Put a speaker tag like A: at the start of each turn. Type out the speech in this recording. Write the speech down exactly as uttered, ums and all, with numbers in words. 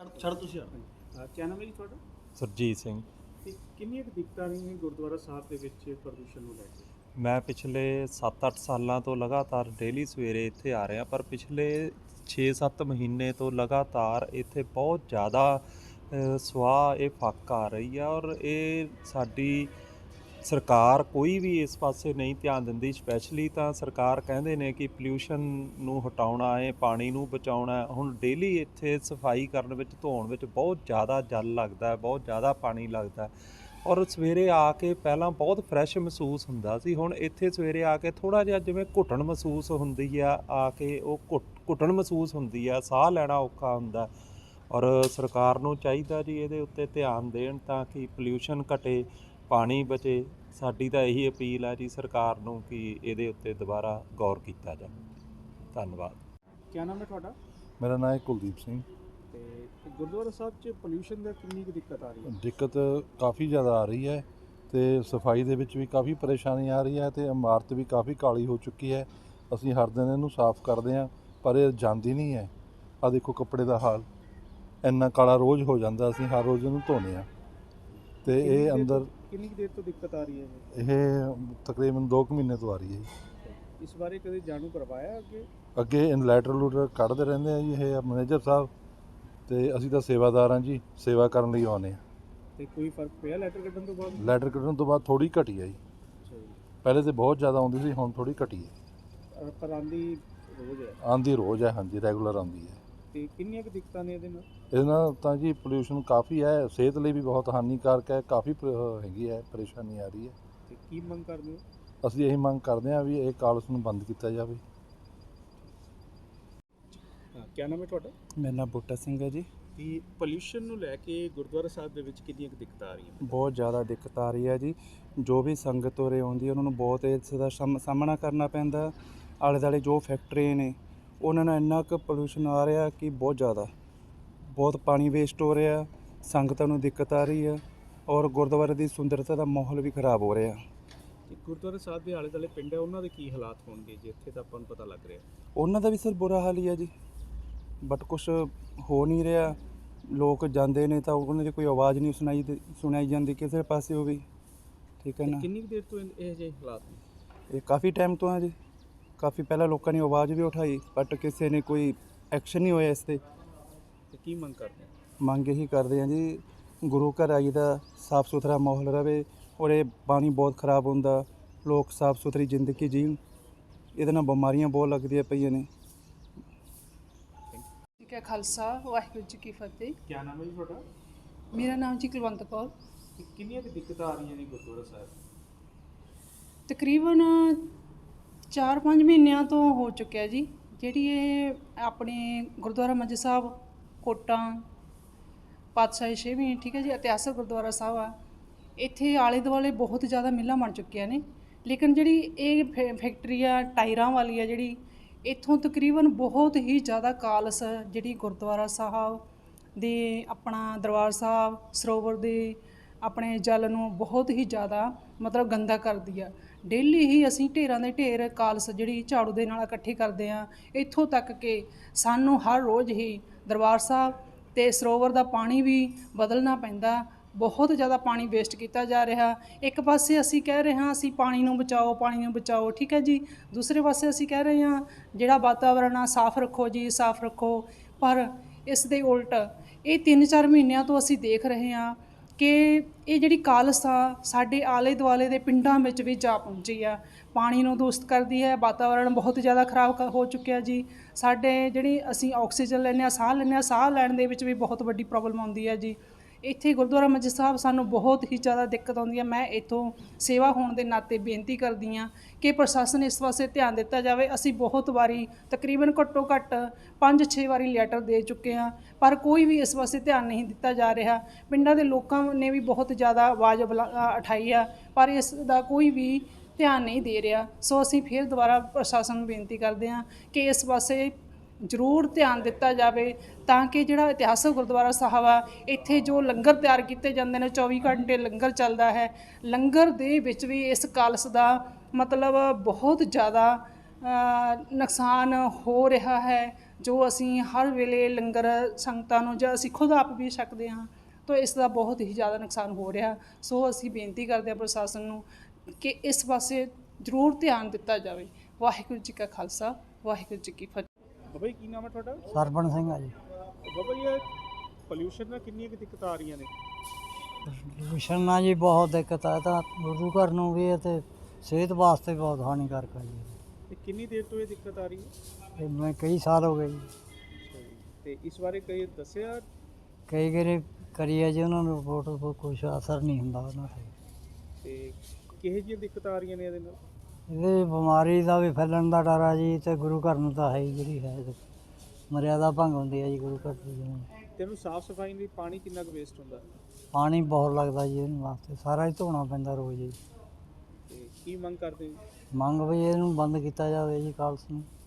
A: ਛੱਡ ਤੁਸੀਂ ਆ
B: ਕੀ ਨਾਮ ਹੈ ਜੀ ਤੁਹਾਡਾ?
C: ਸਰਜੀਤ ਸਿੰਘ।
B: ਤੇ ਕਿੰਨੀਆਂ ਕੁ ਦਿੱਕਤਾਂ ਨੇ ਗੁਰਦੁਆਰਾ ਸਾਹਿਬ ਦੇ ਵਿੱਚ ਪ੍ਰਦੂਸ਼ਣ ਨੂੰ ਲੈ ਕੇ?
C: ਮੈਂ ਪਿਛਲੇ ਸੱਤ ਅੱਠ ਸਾਲਾਂ ਤੋਂ ਲਗਾਤਾਰ ਡੇਲੀ ਸਵੇਰੇ ਇੱਥੇ ਆ ਰਿਹਾ, ਪਰ ਪਿਛਲੇ ਛੇ ਸੱਤ ਮਹੀਨੇ ਤੋਂ ਲਗਾਤਾਰ ਇੱਥੇ ਬਹੁਤ ਜ਼ਿਆਦਾ ਅ, ਸਵਾਹ ਇਹ ਫੱਕ ਆ ਰਹੀ ਆ। ਔਰ ਇਹ ਸਾਡੀ ਸਰਕਾਰ ਕੋਈ ਵੀ ਇਸ ਪਾਸੇ ਨਹੀਂ ਧਿਆਨ ਦਿੰਦੀ। ਸਪੈਸ਼ਲੀ ਤਾਂ ਸਰਕਾਰ ਕਹਿੰਦੇ ਨੇ ਕਿ ਪੋਲਿਊਸ਼ਨ ਨੂੰ ਹਟਾਉਣਾ ਹੈ, ਪਾਣੀ ਨੂੰ ਬਚਾਉਣਾ ਹੈ। ਹੁਣ ਡੇਲੀ ਇੱਥੇ ਸਫਾਈ ਕਰਨ ਵਿੱਚ, ਧੋਣ ਵਿੱਚ ਬਹੁਤ ਜ਼ਿਆਦਾ ਜਲ ਲੱਗਦਾ ਹੈ, ਬਹੁਤ ਜ਼ਿਆਦਾ ਪਾਣੀ ਲੱਗਦਾ। ਔਰ ਸਵੇਰੇ ਆ ਕੇ ਪਹਿਲਾਂ ਬਹੁਤ ਫਰੈਸ਼ ਮਹਿਸੂਸ ਹੁੰਦਾ ਸੀ, ਹੁਣ ਇੱਥੇ ਸਵੇਰੇ ਆ ਕੇ ਥੋੜ੍ਹਾ ਜਿਹਾ ਜਿਵੇਂ ਘੁੱਟਣ ਮਹਿਸੂਸ ਹੁੰਦੀ ਆ। ਆ ਕੇ ਉਹ ਘੁੱਟ ਘੁੱਟਣ ਮਹਿਸੂਸ ਹੁੰਦੀ ਆ, ਸਾਹ ਲੈਣਾ ਔਖਾ ਹੁੰਦਾ। ਔਰ ਸਰਕਾਰ ਨੂੰ ਚਾਹੀਦਾ ਜੀ ਇਹਦੇ ਉੱਤੇ ਧਿਆਨ ਦੇਣ ਤਾਂ ਕਿ ਪੋਲਿਊਸ਼ਨ ਘਟੇ, ਪਾਣੀ ਬਚੇ। ਸਾਡੀ ਤਾਂ ਇਹੀ ਅਪੀਲ ਹੈ ਜੀ ਸਰਕਾਰ ਨੂੰ ਕਿ ਇਹਦੇ ਉੱਤੇ ਦੁਬਾਰਾ ਗੌਰ ਕੀਤਾ ਜਾਵੇ। ਧੰਨਵਾਦ।
B: ਕੀ ਨਾਮ ਹੈ ਤੁਹਾਡਾ?
D: ਮੇਰਾ ਨਾਮ ਹੈ ਕੁਲਦੀਪ ਸਿੰਘ।
B: ਤੇ ਗੁਰਦੁਆਰਾ ਸਾਹਿਬ 'ਚ ਪੋਲਿਊਸ਼ਨ ਦਾ ਕਿੰਨੀ ਕੁ ਦਿੱਕਤ ਆ ਰਹੀ ਹੈ?
D: ਦਿੱਕਤ ਕਾਫੀ ਜ਼ਿਆਦਾ ਆ ਰਹੀ ਹੈ ਤੇ ਸਫਾਈ ਦੇ ਵਿੱਚ ਵੀ ਕਾਫੀ ਪਰੇਸ਼ਾਨੀ ਆ ਰਹੀ ਹੈ ਤੇ ਇਮਾਰਤ ਵੀ ਕਾਫੀ ਕਾਲੀ ਹੋ ਚੁੱਕੀ ਹੈ। ਅਸੀਂ ਹਰ ਦਿਨ ਇਹਨੂੰ ਸਾਫ਼ ਕਰਦੇ ਹਾਂ ਪਰ ਇਹ ਜਾਂਦੀ ਨਹੀਂ ਹੈ। ਆ ਦੇਖੋ ਕੱਪੜੇ ਦਾ ਹਾਲ, ਇੰਨਾ ਕਾਲਾ ਰੋਜ਼ ਹੋ ਜਾਂਦਾ, ਅਸੀਂ ਹਰ ਰੋਜ਼ ਇਹਨੂੰ ਧੋਨੇ ਹਾਂ ਤੇ ਇਹ ਅੰਦਰ।
B: ਕਿੰਨੀ ਕੁ ਦੇਰ ਤੋਂ ਦਿੱਕਤ ਆ ਰਹੀ ਹੈ ਇਹ?
D: ਇਹ ਤਕਰੀਬਨ ਦੋ ਕੁ ਮਹੀਨੇ ਤੋਂ ਆ ਰਹੀ ਹੈ ਜੀ।
B: ਇਸ ਬਾਰੇ ਕਦੇ ਜਾਣੂ ਕਰਵਾਇਆ ਅੱਗੇ?
D: ਅੱਗੇ ਇਨਲੈਟਰ ਲੂਟਰ ਕੱਢਦੇ ਰਹਿੰਦੇ ਆ ਜੀ ਇਹ ਮੈਨੇਜਰ ਸਾਹਿਬ, ਤੇ ਅਸੀਂ ਤਾਂ ਸੇਵਾਦਾਰ ਹਾਂ ਜੀ, ਸੇਵਾ ਕਰਨ ਲਈ ਆਉਂਦੇ ਹਾਂ।
B: ਤੇ ਕੋਈ ਫਰਕ ਪਿਆ ਲੈਟਰ ਕੱਢਣ ਤੋਂ ਬਾਅਦ?
D: ਲੈਟਰ ਕੱਢਣ ਤੋਂ ਬਾਅਦ ਥੋੜ੍ਹੀ ਘਟੀ ਹੈ ਜੀ।
B: ਅੱਛਾ ਜੀ।
D: ਪਹਿਲੇ ਤਾਂ ਬਹੁਤ ਜ਼ਿਆਦਾ ਆਉਂਦੀ ਸੀ, ਹੁਣ ਥੋੜ੍ਹੀ ਘਟੀ ਹੈ।
B: ਅ, ਪਰ ਆਉਂਦੀ ਰੋਜ਼ ਹੈ?
D: ਆਉਂਦੀ ਰੋਜ਼ ਹੈ, ਹਾਂਜੀ, ਰੈਗੂਲਰ ਆਉਂਦੀ ਹੈ।
B: ਤੇ ਕਿੰਨੀਆਂ ਕੁ ਦਿੱਕਤਾਂ ਨੇ ਇਹਦੇ ਨਾਲ?
D: ਇਹਦੇ ਨਾਲ ਤਾਂ ਜੀ ਪੋਲਿਊਸ਼ਨ ਕਾਫੀ ਹੈ, ਸਿਹਤ ਲਈ ਵੀ ਬਹੁਤ ਹਾਨੀਕਾਰਕ ਹੈ, ਕਾਫੀ ਪ- ਹੈਗੀ ਹੈ, ਪਰੇਸ਼ਾਨੀ ਆ ਰਹੀ ਹੈ।
B: ਤੇ ਕੀ ਮੰਗ ਕਰਦੇ ਹੋ?
D: ਅਸੀਂ ਇਹੀ ਮੰਗ ਕਰਦੇ ਹਾਂ ਵੀ ਇਹ ਕਾਲਸ ਨੂੰ ਬੰਦ ਕੀਤਾ ਜਾਵੇ।
B: ਹਾਂ, ਕੀ ਨਾਮ ਹੈ ਤੁਹਾਡਾ?
E: ਮੇਰਾ ਨਾਮ ਬੂਟਾ ਸਿੰਘ ਹੈ ਜੀ।
B: ਤੇ ਪੋਲਿਊਸ਼ਨ ਨੂੰ ਲੈ ਕੇ ਗੁਰਦੁਆਰਾ ਸਾਹਿਬ ਦੇ ਵਿੱਚ ਕਿੰਨੀਆਂ ਕੁ ਦਿੱਕਤਾਂ ਆ ਰਹੀਆਂ?
E: ਬਹੁਤ ਜ਼ਿਆਦਾ ਦਿੱਕਤ ਆ ਰਹੀ ਹੈ ਜੀ। ਜੋ ਵੀ ਸੰਗਤ ਉਰੇ ਆਉਂਦੀ ਹੈ ਉਹਨਾਂ ਨੂੰ ਬਹੁਤ ਇਸ ਦਾ ਸਾਹਮ- ਸਾਹਮਣਾ ਕਰਨਾ ਪੈਂਦਾ। ਆਲੇ ਦੁਆਲੇ ਜੋ ਫੈਕਟਰੀ ਨੇ ਉਹਨਾਂ ਨਾਲ ਇੰਨਾ ਕੁ ਪੋਲਿਊਸ਼ਨ ਆ ਰਿਹਾ ਕਿ ਬਹੁਤ ਜ਼ਿਆਦਾ, ਬਹੁਤ ਪਾਣੀ ਵੇਸਟ ਹੋ ਰਿਹਾ, ਸੰਗਤਾਂ ਨੂੰ ਦਿੱਕਤ ਆ ਰਹੀ ਹੈ ਔਰ ਗੁਰਦੁਆਰੇ ਦੀ ਸੁੰਦਰਤਾ ਦਾ ਮਾਹੌਲ ਵੀ ਖਰਾਬ ਹੋ ਰਿਹਾ।
B: ਤੇ ਗੁਰਦੁਆਰਾ ਸਾਹਿਬ ਦੇ ਆਲੇ ਦੁਆਲੇ ਪਿੰਡ ਹੈ, ਉਹਨਾਂ ਦੇ ਕੀ ਹਾਲਾਤ ਹੋਣਗੇ ਜੀ? ਇੱਥੇ ਤਾਂ ਆਪਾਂ ਨੂੰ ਪਤਾ ਲੱਗ ਰਿਹਾ।
E: ਉਹਨਾਂ ਦਾ ਵੀ ਸਰ ਬੁਰਾ ਹਾਲ ਹੀ ਹੈ ਜੀ, ਬਟ ਕੁਛ ਹੋ ਨਹੀਂ ਰਿਹਾ। ਲੋਕ ਜਾਂਦੇ ਨੇ ਤਾਂ ਉਹਨਾਂ ਦੀ ਕੋਈ ਆਵਾਜ਼ ਨਹੀਂ ਸੁਣਾਈ ਦੇ- ਸੁਣਾਈ ਜਾਂਦੀ ਕਿਸੇ ਪਾਸੇ ਉਹ ਵੀ, ਠੀਕ ਹੈ
B: ਤੇ
E: ਨਾ।
B: ਕਿੰਨੀ ਕੁ ਦੇਰ ਤੋਂ ਇਹ ਇਹ ਜਿਹੇ ਹਾਲਾਤ ਨੇ?
E: ਇਹ ਕਾਫੀ ਟਾਈਮ ਤੋਂ ਹੈ ਜੀ, ਕਾਫੀ ਪਹਿਲਾਂ ਲੋਕਾਂ ਨੇ ਆਵਾਜ਼ ਵੀ ਉਠਾਈ ਬਟ ਕਿਸੇ ਨੇ ਕੋਈ ਐਕਸ਼ਨ ਨਹੀਂ ਹੋਇਆ ਇਸ 'ਤੇ।
B: ਤੇ ਕੀ ਮੰਗ ਕਰਦੇ ਹੋ?
E: ਮੰਗ ਇਹੀ ਕਰਦੇ ਹਾਂ ਜੀ, ਗੁਰੂ ਘਰ ਆਈ ਦਾ ਸਾਫ ਸੁਥਰਾ ਮਾਹੌਲ ਰਵੇ ਔਰ ਇਹ ਪਾਣੀ ਬਹੁਤ ਖਰਾਬ ਹੁੰਦਾ, ਲੋਕ ਸਾਫ ਸੁਥਰੀ ਜ਼ਿੰਦਗੀ ਜੀਣ, ਇਹਦੇ ਨਾਲ ਬਿਮਾਰੀਆਂ ਬਹੁਤ ਲੱਗਦੀਆਂ ਪਈਆਂ ਨੇ।
F: ਜੀ ਕਾ ਖਾਲਸਾ ਵਾਹਿਗੁਰੂ ਜੀ ਕੀ ਫਤਿਹ।
B: ਕੀ ਨਾਮ ਹੈ ਜੀ ਤੁਹਾਡਾ?
F: ਮੇਰਾ ਨਾਮ ਜੀ ਕੁਲਵੰਤ ਕੌਰ।
B: ਤੇ ਕਿੰਨੀਆਂ ਕੁ ਦਿੱਕਤਾਂ ਆ ਰਹੀਆਂ ਨੇ ਗੁਰਦੁਆਰਾ ਸਾਹਿਬ?
F: ਤਕਰੀਬਨ ਚਾਰ ਪੰਜ ਮਹੀਨਿਆਂ ਤੋਂ ਹੋ ਚੁੱਕਿਆ ਜੀ। ਜਿਹੜੀ ਇਹ ਆਪਣੇ ਗੁਰਦੁਆਰਾ ਮੰਜੀ ਸਾਹਿਬ ਕੋਟਾਂ ਪਾਤਸ਼ਾਹੀ ਛੇਵੀਂ, ਠੀਕ ਹੈ ਜੀ, ਇਤਿਹਾਸਕ ਗੁਰਦੁਆਰਾ ਸਾਹਿਬ ਆ। ਇੱਥੇ ਆਲੇ ਦੁਆਲੇ ਬਹੁਤ ਜ਼ਿਆਦਾ ਮਿੱਲਾਂ ਬਣ ਚੁੱਕੀਆਂ ਨੇ, ਲੇਕਿਨ ਜਿਹੜੀ ਇਹ ਫੈ- ਫੈਕਟਰੀ ਆ ਟਾਇਰਾਂ ਵਾਲੀ ਆ ਜਿਹੜੀ, ਇੱਥੋਂ ਤਕਰੀਬਨ ਬਹੁਤ ਹੀ ਜ਼ਿਆਦਾ ਕਾਲਸ ਜਿਹੜੀ ਗੁਰਦੁਆਰਾ ਸਾਹਿਬ ਦੇ, ਆਪਣਾ ਦਰਬਾਰ ਸਾਹਿਬ ਸਰੋਵਰ ਦੇ ਆਪਣੇ ਜਲ ਨੂੰ ਬਹੁਤ ਹੀ ਜ਼ਿਆਦਾ ਮਤਲਬ ਗੰਦਾ ਕਰਦੀ ਆ। ਡੇਲੀ ਹੀ ਅਸੀਂ ਢੇਰਾਂ ਦੇ ਢੇਰ ਕਾਲਸ ਜਿਹੜੀ ਝਾੜੂ ਦੇ ਨਾਲ ਇਕੱਠੇ ਕਰਦੇ ਆ, ਇੱਥੋਂ ਤੱਕ ਕਿ ਸਾਨੂੰ ਹਰ ਰੋਜ਼ ਹੀ ਦਰਬਾਰ ਸਾਹਿਬ ਅਤੇ ਸਰੋਵਰ ਦਾ ਪਾਣੀ ਵੀ ਬਦਲਣਾ ਪੈਂਦਾ। ਬਹੁਤ ਜ਼ਿਆਦਾ ਪਾਣੀ ਵੇਸਟ ਕੀਤਾ ਜਾ ਰਿਹਾ। ਇੱਕ ਪਾਸੇ ਅਸੀਂ ਕਹਿ ਰਹੇ ਹਾਂ ਅਸੀਂ ਪਾਣੀ ਨੂੰ ਬਚਾਓ, ਪਾਣੀ ਨੂੰ ਬਚਾਓ, ਠੀਕ ਹੈ ਜੀ, ਦੂਸਰੇ ਪਾਸੇ ਅਸੀਂ ਕਹਿ ਰਹੇ ਹਾਂ ਜਿਹੜਾ ਵਾਤਾਵਰਨ ਆ ਸਾਫ਼ ਰੱਖੋ ਜੀ, ਸਾਫ਼ ਰੱਖੋ। ਪਰ ਇਸ ਦੇ ਉਲਟ ਇਹ ਤਿੰਨ ਚਾਰ ਮਹੀਨਿਆਂ ਤੋਂ ਅਸੀਂ ਦੇਖ ਰਹੇ ਹਾਂ ਕਿ ਇਹ ਜਿਹੜੀ ਕਾਲਸ ਆ ਸਾਡੇ ਆਲੇ ਦੁਆਲੇ ਦੇ ਪਿੰਡਾਂ ਵਿੱਚ ਵੀ ਜਾ ਪਹੁੰਚੀ ਆ, ਪਾਣੀ ਨੂੰ ਦੂਸ਼ਿਤ ਕਰਦੀ ਹੈ, ਵਾਤਾਵਰਨ ਬਹੁਤ ਜ਼ਿਆਦਾ ਖਰਾਬ ਕ- ਹੋ ਚੁੱਕਿਆ ਜੀ। ਸਾਡੇ ਜਿਹੜੀ ਅਸੀਂ ਆਕਸੀਜਨ ਲੈਂਦੇ ਹਾਂ, ਸਾਹ ਲੈਂਦੇ ਹਾਂ, ਸਾਹ ਲੈਣ ਦੇ ਵਿੱਚ ਵੀ ਬਹੁਤ ਵੱਡੀ ਪ੍ਰੋਬਲਮ ਆਉਂਦੀ ਹੈ ਜੀ। ਇੱਥੇ ਗੁਰਦੁਆਰਾ ਮੰਜੀ ਸਾਹਿਬ ਸਾਨੂੰ ਬਹੁਤ ਹੀ ਜ਼ਿਆਦਾ ਦਿੱਕਤ ਆਉਂਦੀ ਹੈ। ਮੈਂ ਇੱਥੋਂ ਸੇਵਾ ਹੋਣ ਦੇ ਨਾਤੇ ਬੇਨਤੀ ਕਰਦੀ ਹਾਂ ਕਿ ਪ੍ਰਸ਼ਾਸਨ ਇਸ ਪਾਸੇ ਧਿਆਨ ਦਿੱਤਾ ਜਾਵੇ। ਅਸੀਂ ਬਹੁਤ ਵਾਰੀ ਤਕਰੀਬਨ ਘੱਟੋ ਘੱਟ ਪੰਜ ਛੇ ਵਾਰੀ ਲੈਟਰ ਦੇ ਚੁੱਕੇ ਹਾਂ, ਪਰ ਕੋਈ ਵੀ ਇਸ ਪਾਸੇ ਧਿਆਨ ਨਹੀਂ ਦਿੱਤਾ ਜਾ ਰਿਹਾ। ਪਿੰਡਾਂ ਦੇ ਲੋਕਾਂ ਨੇ ਵੀ ਬਹੁਤ ਜ਼ਿਆਦਾ ਆਵਾਜ਼ ਬੁਲਾ- ਅ, ਉਠਾਈ ਆ, ਪਰ ਇਸ ਦਾ ਕੋਈ ਵੀ ਧਿਆਨ ਨਹੀਂ ਦੇ ਰਿਹਾ। ਸੋ ਅਸੀਂ ਫਿਰ ਦੁਬਾਰਾ ਪ੍ਰਸ਼ਾਸਨ ਨੂੰ ਬੇਨਤੀ ਕਰਦੇ ਹਾਂ ਕਿ ਇਸ ਪਾਸੇ ਜ਼ਰੂਰ ਧਿਆਨ ਦਿੱਤਾ ਜਾਵੇ ਤਾਂ ਕਿ ਜਿਹੜਾ ਇਤਿਹਾਸਕ ਗੁਰਦੁਆਰਾ ਸਾਹਿਬ ਆ, ਇੱਥੇ ਜੋ ਲੰਗਰ ਤਿਆਰ ਕੀਤੇ ਜਾਂਦੇ ਨੇ, ਚੌਵੀ ਘੰਟੇ ਲੰਗਰ ਚੱਲਦਾ ਹੈ, ਲੰਗਰ ਦੇ ਵਿੱਚ ਵੀ ਇਸ ਕਾਲਸ ਦਾ ਮਤਲਬ ਬਹੁਤ ਜ਼ਿਆਦਾ ਨੁਕਸਾਨ ਹੋ ਰਿਹਾ ਹੈ। ਜੋ ਅਸੀਂ ਹਰ ਵੇਲੇ ਲੰਗਰ ਸੰਗਤਾਂ ਨੂੰ ਜਾਂ ਅਸੀਂ ਖੁਦ ਆਪ ਵੀ ਛਕਦੇ ਹਾਂ, ਤਾਂ ਇਸ ਦਾ ਬਹੁਤ ਹੀ ਜ਼ਿਆਦਾ ਨੁਕਸਾਨ ਹੋ ਰਿਹਾ। ਸੋ ਅਸੀਂ ਬੇਨਤੀ ਕਰਦੇ ਹਾਂ ਪ੍ਰਸ਼ਾਸਨ ਨੂੰ ਕਿ ਇਸ ਪਾਸੇ ਜ਼ਰੂਰ ਧਿਆਨ ਦਿੱਤਾ ਜਾਵੇ। ਵਾਹਿਗੁਰੂ ਜੀ ਕਾ ਖਾਲਸਾ, ਵਾਹਿਗੁਰੂ ਜੀ ਕੀ ਫਤਿਹ।
B: ਬਾਬਾ ਜੀ ਕੀ ਨਾਮ ਹੈ ਤੁਹਾਡਾ?
A: ਸਰਬਣ ਸਿੰਘ ਆ ਜੀ।
B: ਬਾਬਾ ਜੀ ਇਹ ਪੋਲਿਊਸ਼ਨ ਨਾਲ ਕਿੰਨੀਆਂ ਕੁ ਦਿੱਕਤਾਂ ਆ ਰਹੀਆਂ ਨੇ?
A: ਪੋਲਿਊਸ਼ਨ ਨਾਲ ਜੀ ਬਹੁਤ ਦਿੱਕਤ ਆ, ਤਾਂ ਗੁਰੂ ਘਰ ਨੂੰ ਵੀ ਅਤੇ ਸਿਹਤ ਵਾਸਤੇ ਬਹੁਤ ਹਾਨੀਕਾਰਕ ਆ ਜੀ।
B: ਤੇ ਕਿੰਨੀ ਦੇਰ ਤੋਂ ਇਹ ਦਿੱਕਤ ਆ ਰਹੀ ਹੈ?
A: ਇਹ ਮੈਂ ਕਈ ਸਾਲ ਹੋ ਗਏ ਜੀ।
B: ਤੇ ਇਸ ਬਾਰੇ ਕਈ ਦੱਸਿਆ?
A: ਕਈ ਵਾਰੀ ਕਰੀ ਆ ਜੀ ਉਹਨਾਂ ਨੂੰ ਰਿਪੋਰਟ, ਕੋਈ ਕੁਛ ਅਸਰ ਨਹੀਂ ਹੁੰਦਾ ਉਹਨਾਂ 'ਤੇ।
B: ਤੇ ਕਿਹੋ ਜਿਹੀਆਂ ਦਿੱਕਤਾਂ ਆ ਰਹੀਆਂ ਨੇ ਇਹਦੇ ਨਾਲ?
A: ਇਹਦੇ ਬਿਮਾਰੀ ਦਾ ਵੀ ਫੈਲਣ ਦਾ ਡਰ ਆ ਜੀ, ਅਤੇ ਗੁਰੂ ਘਰ ਨੂੰ ਤਾਂ ਹੈ ਹੀ, ਜਿਹੜੀ ਹੈ ਮਰਿਆਦਾ ਭੰਗ ਹੁੰਦੀ ਹੈ ਜੀ ਗੁਰੂ ਘਰ ਦੀ। ਜਿਵੇਂ
B: ਤੈਨੂੰ ਸਾਫ਼ ਸਫਾਈ ਲਈ ਪਾਣੀ ਕਿੰਨਾ ਕੁ ਵੇਸਟ ਹੁੰਦਾ?
A: ਪਾਣੀ ਬਹੁਤ ਲੱਗਦਾ ਜੀ ਇਹਨੂੰ ਵਾਸਤੇ, ਸਾਰਾ ਹੀ ਧੋਣਾ ਪੈਂਦਾ ਰੋਜ਼ ਜੀ।
B: ਤੇ ਕੀ ਮੰਗ ਕਰਦੇ ਹੋ?
A: ਮੰਗ ਵੀ ਇਹਨੂੰ ਬੰਦ ਕੀਤਾ ਜਾਵੇ ਜੀ ਕਾਲਸ ਨੂੰ।